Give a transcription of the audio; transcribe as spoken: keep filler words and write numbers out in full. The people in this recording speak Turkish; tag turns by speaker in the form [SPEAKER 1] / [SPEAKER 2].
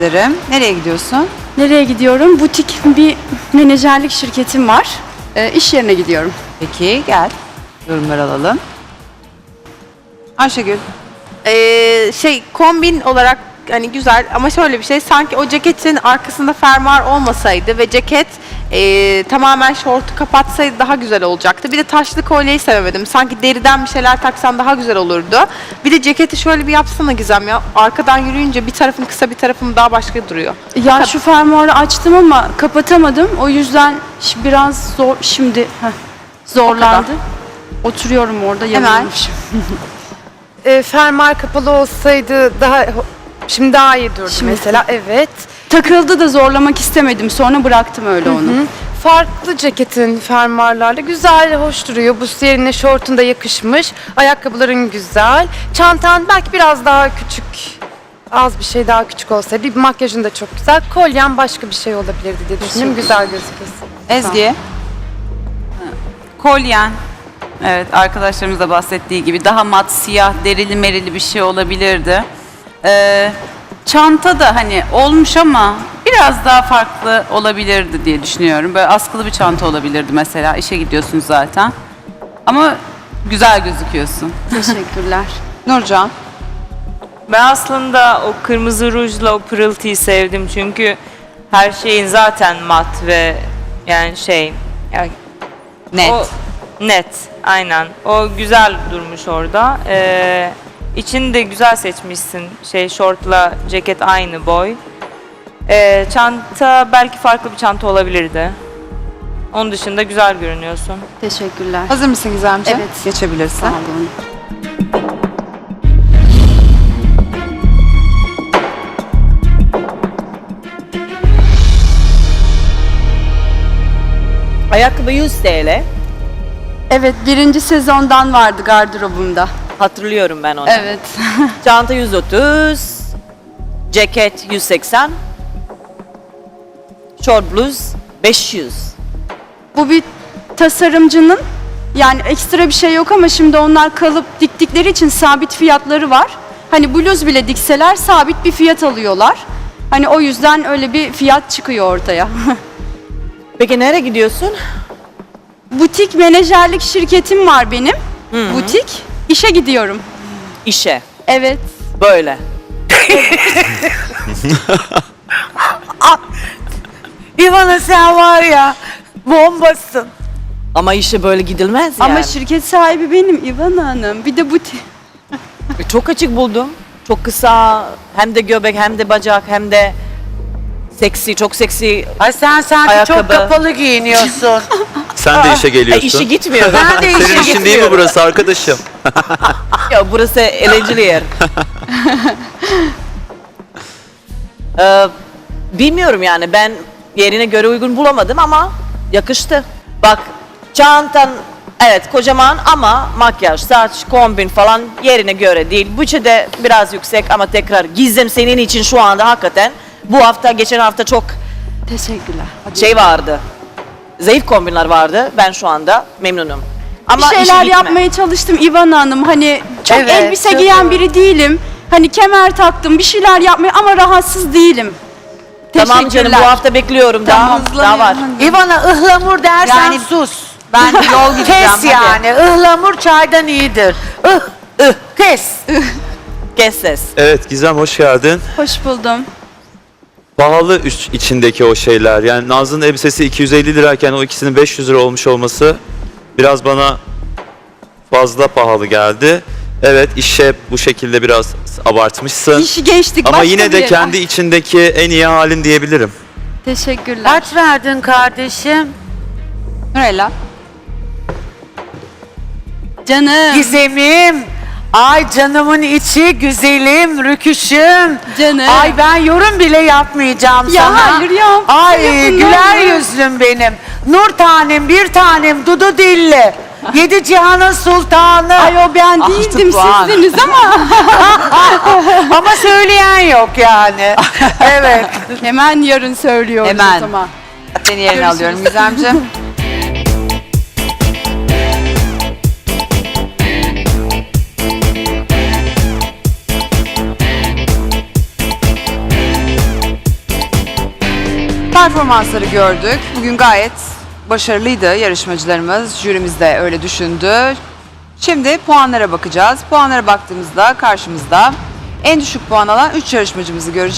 [SPEAKER 1] ederim. Nereye gidiyorsun?
[SPEAKER 2] Nereye gidiyorum? Butik bir menajerlik şirketim var. E, iş yerine gidiyorum.
[SPEAKER 1] Peki gel. Yorumlar alalım. Ayşegül.
[SPEAKER 3] Ee, şey kombin olarak hani güzel ama şöyle bir şey, sanki o ceketin arkasında fermuar olmasaydı ve ceket ee, tamamen şortu kapatsaydı daha güzel olacaktı. Bir de taşlı kolyeyi sevemedim. Sanki deriden bir şeyler taksan daha güzel olurdu. Bir de ceketi şöyle bir yapsana Gizem ya. Arkadan yürüyünce bir tarafın kısa, bir tarafın daha başka duruyor.
[SPEAKER 2] Ya şu fermuarı açtım ama kapatamadım. O yüzden ş- biraz zor şimdi heh, zorlandı. Oturuyorum orada
[SPEAKER 1] Hemen.
[SPEAKER 2] yanılmışım.
[SPEAKER 4] E, fermuar kapalı olsaydı daha şimdi daha iyi durdu
[SPEAKER 2] Şimdi.
[SPEAKER 4] mesela. Evet.
[SPEAKER 2] Takıldı da zorlamak istemedim. Sonra bıraktım öyle onu.
[SPEAKER 4] Hı. Farklı ceketin fermuarlarla güzel, hoş duruyor. Bu yerine şortun da yakışmış. Ayakkabıların güzel. Çantan belki biraz daha küçük. Az bir şey daha küçük olsaydı. Bir makyajın da çok güzel. Kolyen başka bir şey olabilirdi diye düşünüyorum. Güzel gözüküyorsun.
[SPEAKER 1] Ezgi.
[SPEAKER 5] Kolyen. Evet, arkadaşlarımız da bahsettiği gibi daha mat, siyah, derili merili bir şey olabilirdi. Ee, çanta da hani olmuş ama biraz daha farklı olabilirdi diye düşünüyorum. Böyle askılı bir çanta olabilirdi mesela. İşe gidiyorsunuz zaten. Ama güzel gözüküyorsun.
[SPEAKER 2] Teşekkürler.
[SPEAKER 1] Nurcan.
[SPEAKER 6] Ben aslında o kırmızı rujla o pırıltıyı sevdim çünkü her şeyin zaten mat ve yani şey yani
[SPEAKER 1] Net.
[SPEAKER 6] o net aynen o güzel durmuş orada. Ee, içini de güzel seçmişsin, şey şortla ceket aynı boy. Ee, çanta belki farklı bir çanta olabilirdi. Onun dışında güzel görünüyorsun.
[SPEAKER 2] Teşekkürler.
[SPEAKER 1] Hazır mısın Gizemciğim?
[SPEAKER 2] Evet.
[SPEAKER 1] Geçebilirsin.
[SPEAKER 2] Sağ olun.
[SPEAKER 7] Ayakkabı yüz T L.
[SPEAKER 2] Evet, birinci sezondan vardı gardırobumda.
[SPEAKER 7] Hatırlıyorum ben onu.
[SPEAKER 2] Evet.
[SPEAKER 7] Çanta yüz otuz. Ceket yüz seksen. Short bluz beş yüz.
[SPEAKER 2] Bu bir tasarımcının, yani ekstra bir şey yok ama şimdi onlar kalıp diktikleri için sabit fiyatları var. Hani bluz bile dikseler sabit bir fiyat alıyorlar. Hani o yüzden öyle bir fiyat çıkıyor ortaya.
[SPEAKER 7] Peki nereye gidiyorsun?
[SPEAKER 2] Butik menajerlik şirketim var benim. Butik. İşe gidiyorum.
[SPEAKER 7] İşe.
[SPEAKER 2] Evet.
[SPEAKER 7] Böyle.
[SPEAKER 8] İvana sen var ya bombasın.
[SPEAKER 7] Ama işe böyle gidilmez yani.
[SPEAKER 2] Ama şirket sahibi benim İvan Hanım. Bir de butik.
[SPEAKER 7] Çok açık buldum. Çok kısa. Hem de göbek hem de bacak hem de seksi. Çok seksi.
[SPEAKER 8] Ay sen sanki çok
[SPEAKER 7] Ayakkabı.
[SPEAKER 8] kapalı giyiniyorsun.
[SPEAKER 9] Sen de işe
[SPEAKER 7] E,
[SPEAKER 9] geliyorsun.
[SPEAKER 7] işe gitmiyor.
[SPEAKER 8] Ben de işe
[SPEAKER 9] Senin işin değil mi
[SPEAKER 8] gitmiyorum.
[SPEAKER 9] burası arkadaşım?
[SPEAKER 7] Ya burası eğlenceli yer. ee, bilmiyorum yani ben yerine göre uygun bulamadım ama yakıştı. Bak çantan evet kocaman ama makyaj, saç, kombin falan yerine göre değil. Bütçe de biraz yüksek ama tekrar Gizem senin için şu anda hakikaten bu hafta geçen hafta çok
[SPEAKER 2] Teşekkürler.
[SPEAKER 7] şey vardı. Zayıf kombinler vardı. Ben şu anda memnunum. Ama
[SPEAKER 2] bir
[SPEAKER 7] işe
[SPEAKER 2] şeyler
[SPEAKER 7] gitme.
[SPEAKER 2] yapmaya çalıştım İvan Hanım. Hani çok
[SPEAKER 8] Evet,
[SPEAKER 2] elbise
[SPEAKER 8] çok
[SPEAKER 2] giyen
[SPEAKER 8] doğru.
[SPEAKER 2] biri değilim. Hani kemer taktım, bir şeyler yapmaya ama rahatsız değilim.
[SPEAKER 7] Tamam canım
[SPEAKER 2] Teşekkürler.
[SPEAKER 7] bu hafta bekliyorum daha, daha var.
[SPEAKER 8] İvana ıhlamur dersen
[SPEAKER 1] Yani-
[SPEAKER 8] sus.
[SPEAKER 1] Ben de yol gideceğim.
[SPEAKER 8] Kes
[SPEAKER 1] hadi.
[SPEAKER 8] yani. Ihlamur çaydan iyidir. Ih, ih, kes.
[SPEAKER 7] Kes ses.
[SPEAKER 9] Evet Gizem hoş geldin.
[SPEAKER 2] Hoş buldum.
[SPEAKER 9] Pahalı üç içindeki o şeyler. Yani Nazlı'nın elbisesi iki yüz elli lirayken o ikisinin beş yüz lira olmuş olması biraz bana fazla pahalı geldi. Evet işe bu şekilde biraz abartmışsın.
[SPEAKER 2] İşi geçtik.
[SPEAKER 9] Ama
[SPEAKER 2] başka
[SPEAKER 9] yine
[SPEAKER 2] bir
[SPEAKER 9] de
[SPEAKER 2] yere.
[SPEAKER 9] kendi içindeki en iyi halin diyebilirim.
[SPEAKER 2] Teşekkürler.
[SPEAKER 8] Kaç verdin kardeşim?
[SPEAKER 1] Nurella.
[SPEAKER 2] Canım.
[SPEAKER 8] Gizemim. Ay canımın içi, güzelim, rüküşüm.
[SPEAKER 2] Canım.
[SPEAKER 8] Ay ben yorum bile yapmayacağım
[SPEAKER 2] Ya
[SPEAKER 8] sana.
[SPEAKER 2] hayır ya.
[SPEAKER 8] Ay
[SPEAKER 2] Yapın,
[SPEAKER 8] güler
[SPEAKER 2] ne olur.
[SPEAKER 8] yüzlüm benim. Nur tanem, bir tanem, dudu dilli. Yedi cihanın sultanı.
[SPEAKER 2] Ay o ben
[SPEAKER 1] Altı
[SPEAKER 2] değildim
[SPEAKER 1] puan.
[SPEAKER 2] sizdiniz ama.
[SPEAKER 8] Ama söyleyen yok yani. Evet.
[SPEAKER 2] Hemen yarın söylüyoruz
[SPEAKER 1] Hemen.
[SPEAKER 2] o zaman.
[SPEAKER 1] Seni yerine alıyorum Gizemciğim. Performansları gördük. Bugün gayet başarılıydı yarışmacılarımız. Jürimiz de öyle düşündü. Şimdi puanlara bakacağız. Puanlara baktığımızda karşımızda en düşük puan alan üç yarışmacımızı göreceğiz.